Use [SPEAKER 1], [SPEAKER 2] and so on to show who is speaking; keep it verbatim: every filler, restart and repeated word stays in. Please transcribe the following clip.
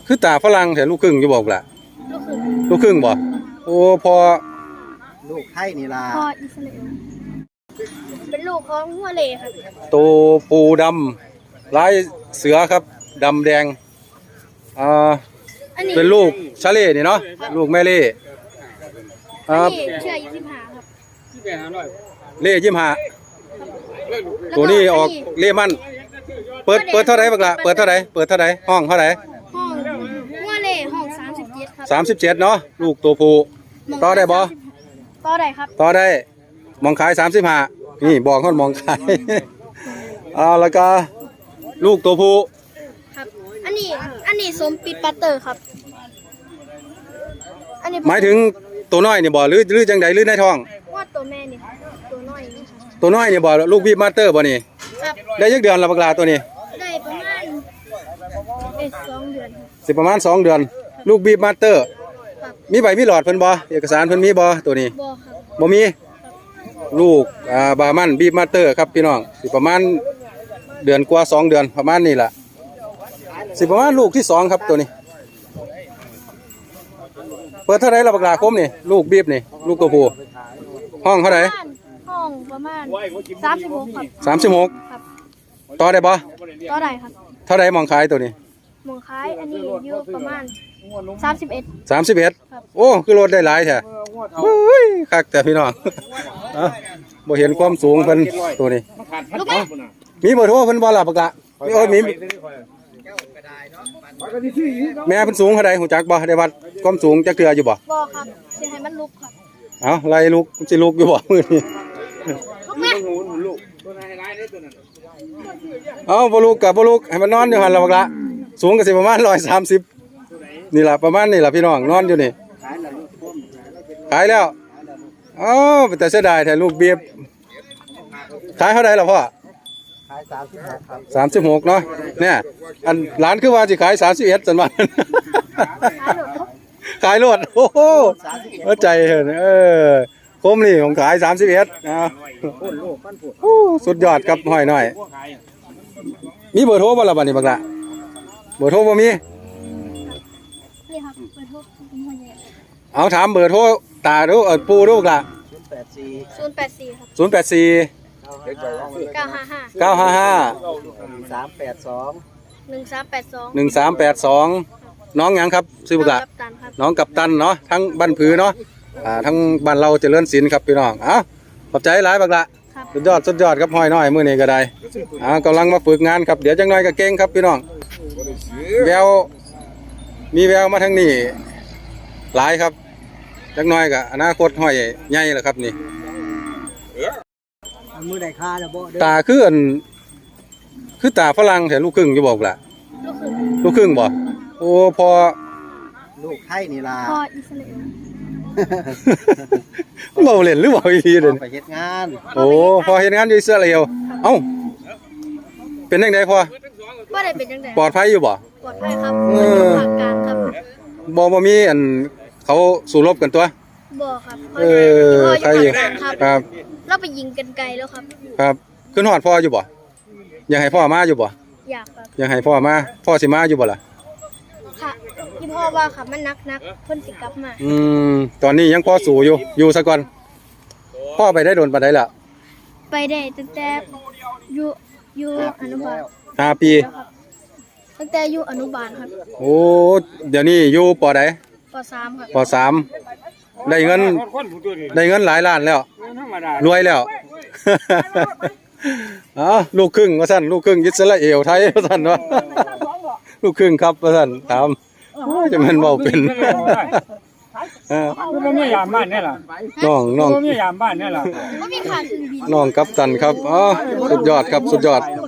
[SPEAKER 1] คือตาฝรั่งแต่ลูกครึ่งอยู่บอกล่ะ
[SPEAKER 2] ลูกครึ่ง
[SPEAKER 1] ลูกครึ่งบ่โอ้พอ
[SPEAKER 3] ลูกไทยนี่ล่ะ
[SPEAKER 2] พ่ออิสราเอลเป็นลูกของหัวเล่ครับ
[SPEAKER 1] โตปูดำลายเสือครับดำแดงอ่าเป็นลูกชาเล่นี่เนาะลูกแม่เล่
[SPEAKER 2] อันนี้เชื่อยี่สิบห้าครับ
[SPEAKER 1] เล่ยี่สิบห้าตัวนี้ออกเล่มันเปิดเปิดเท่าไหร่บักละเปิดเท่าไหร่เปิดเท่าไหร่ห้องเท่าไหร่
[SPEAKER 2] ห้องหัวเล่ห้องสามสิบเจ็ดครับ
[SPEAKER 1] สามสิบเจ็ดเนาะลูกตัวผู้ต่อได้บ่
[SPEAKER 2] ต่อได้ครับ
[SPEAKER 1] ต่อได้มองขายสามสิบห้านี่บอกเขามองขายเอาแล้วก็ลูกตัวผู้
[SPEAKER 2] ครับอันนี้อันนี้สมปิดปัตเตอร์ครับ
[SPEAKER 1] อันนี้หมายถึงตัวน้อยนี่บ่หรือหรือจังใดหรือในท้อง
[SPEAKER 2] ว่าตัวแม่นี่ตัวน้อยนี่
[SPEAKER 1] ตัวน้อยนี่บ่ลูกบีบมาสเตอร์บ่นี่
[SPEAKER 2] ครับ
[SPEAKER 1] ได้ยักเดือนละบักลาตัวนี้
[SPEAKER 2] ได้ประมาณเอ็ดสองเดือน
[SPEAKER 1] สิประมาณสองเดือนลูกบีบมาสเตอร์มีใบมีหลอดเพิ่นบ่เอกสารเพิ่นมีบ่ตัวนี้
[SPEAKER 2] บ่ครับ
[SPEAKER 1] บ่มีลูกอ่าบามันบีบมาสเตอร์ครับพี่น้องสิประมาณเดือนกว่าสองเดือนประมาณนี้ล่ะสิประมาณลูกที่สองครับตัวนี้เปิดเท่าไหร่ละบักลาคมนี่ลูกบีบนี่ลูกตัวผู้ห้องเท่าไหร่
[SPEAKER 2] ห้องประมาณสามสิบหกครับ
[SPEAKER 1] สามสิบหก
[SPEAKER 2] ครับ
[SPEAKER 1] ต่อได้บ่
[SPEAKER 2] ต่อได้ครับ
[SPEAKER 1] เท่าไหร่มองขายตัวนี้
[SPEAKER 2] มองขายอันนี้อยู่ประมาณสามสิบเอ็ด
[SPEAKER 1] สามสิบเอ็ดโอ้คือรถได้หลายแท้เฮ้ยคักแต่พี่น้องบ่เห็นความสูงเพิ่นตัวนี้มีเบอร์โทรเพิ่นบ่ล่ะบักละมีโอ้มีแม่เพิ่นสูงเท่าใดฮู้จักบ่ได้วัดความสูงจักเทื่ออยู่บ่
[SPEAKER 2] บ่ครับสิให้มันลุกครับ
[SPEAKER 1] เอ้าไล่ลุกสิลุกอยู่บ่มื้อนี้เอ้าบ่ลุกก็บ่ลุกให้มันนอนอยู่หั่นล่ะบักละสูงก็สิประมาณหนึ่งร้อยสามสิบนี่ล่ะประมาณนี่ล่ะพี่น้องนอนอยู่นี่ขายแล้วอ๋อแต่เสียดายแท้ลูกเบียบขายเท่าไหร่ล่ะพ่อ
[SPEAKER 3] ขายสามสิบหกครับ
[SPEAKER 1] สามสิบหกเนาะเนี่ยอันร้านคือว่าสิขายสามสิบเอ็ดจังว่าขายรถโอ้โหเข้าใจเห็นเออคมนี่ผมขายสามสิบเอ็ดนะสุดยอดครับห้อยหน่อยมีเบอร์โทรบ่ล่ะบัดนี้บักละเบอร์โทรบ่มี
[SPEAKER 2] นี่ครับเบอร์โทร
[SPEAKER 1] เอาถามเบอร์โทรตาดูเออปูดูล่ะ
[SPEAKER 2] ศูนย์แปดสี่ครับ
[SPEAKER 1] ศูนย์แปดสี่
[SPEAKER 2] เก้าห้าห้า
[SPEAKER 1] เก้าห้าห้า
[SPEAKER 3] สามแปดสอง
[SPEAKER 2] หนึ่งสามแปดสอง
[SPEAKER 1] หนึ่งสามแปดสองน้องหยังครับซื้อบักละน้องกัปตันเนาะทั้งบ้านผือเนาะอ่าทั้งบ้านเราเจริญศิลป์ครับพี่น้องเอ้าขอบใจหลายบักละสุดยอดสุดยอดครับห้อยน้อยมื้อนี้ก็ได้อ่ากำลังมาฝึกงานครับเดี๋ยวจังน้อยก็เก่งครับพี่น้องแววมีแววมาทางนี้หลายครับจักน้อยก็อนาคตห้อยใหญ่แล้วครับนี่
[SPEAKER 3] มือได้ค่าแล้วบ่
[SPEAKER 1] ตาคืออันคือตาฝรั่งแต่ลูกครึ่งอยู่บอกล่ะลูกครึ่งบ่โอ้พอ
[SPEAKER 3] ลูกไทยนี่ล่ะ
[SPEAKER 2] พ่ออิสราเอล
[SPEAKER 1] เบาเล่นหรือเบาอีทีเด่น
[SPEAKER 3] ไปเฮ็ดงาน
[SPEAKER 1] โอ้พอเฮ็ดงานอยู่อิสราเอลเอ้าเป็นจังได๋พอ
[SPEAKER 2] บ่ได้เป็นจังได๋
[SPEAKER 1] ปลอดภัยอยู่บ่
[SPEAKER 2] ปลอดภัยครับเออภาคกลางครับ
[SPEAKER 1] บ่บ่มีอันเขาสู้รบกันตัว
[SPEAKER 2] บ่ครับ
[SPEAKER 1] เออใครอยู่ครับ
[SPEAKER 2] เราไปยิงกันไกลแล้วครับ
[SPEAKER 1] ครับขึ้นฮอดพ่ออยู่บ่อยากให้พ่อมาอยู่บ่
[SPEAKER 2] อยากครับ
[SPEAKER 1] อยากให้พ่อมาพ่อสิมาอยู่บ่ล่ะ
[SPEAKER 2] ค่ะที่พ่อว่าค่ะมันนักๆเพิ่นสิกลับมา
[SPEAKER 1] อืมตอนนี้ยังพ่อสู้อยู่อยู่ซะก่อนพ่อไปได้โดนปานใดล่ะ
[SPEAKER 2] ไปได้ตั้งแต่อยู่อยู่อนุบาล
[SPEAKER 1] ห้าปี
[SPEAKER 2] ตั้งแต่อยู่อนุบาลครับ
[SPEAKER 1] โอ้เดี๋ยวนี้อยู่ป.ใด
[SPEAKER 2] ป.สามครับ
[SPEAKER 1] ป.สามได้เงินได้เงินหลายล้านแล้วรวยแล้วอ๋อลูกครึ่งว่าซั่นลูกครึ่งอิสราเอลไทยว่าซั่นว่าลูกครึ่งครับว่าซั่นถามจะมันเว้าเป็นเออ
[SPEAKER 4] บ่มียามบ้านนี่ล่ะ
[SPEAKER 1] น้องน้อง
[SPEAKER 4] บ่มียามบ้านนี่ล่ะ
[SPEAKER 2] บ่มีค่าซื้อบิน
[SPEAKER 1] น้องกัปตันครับอ๋อสุดยอดครับสุดยอด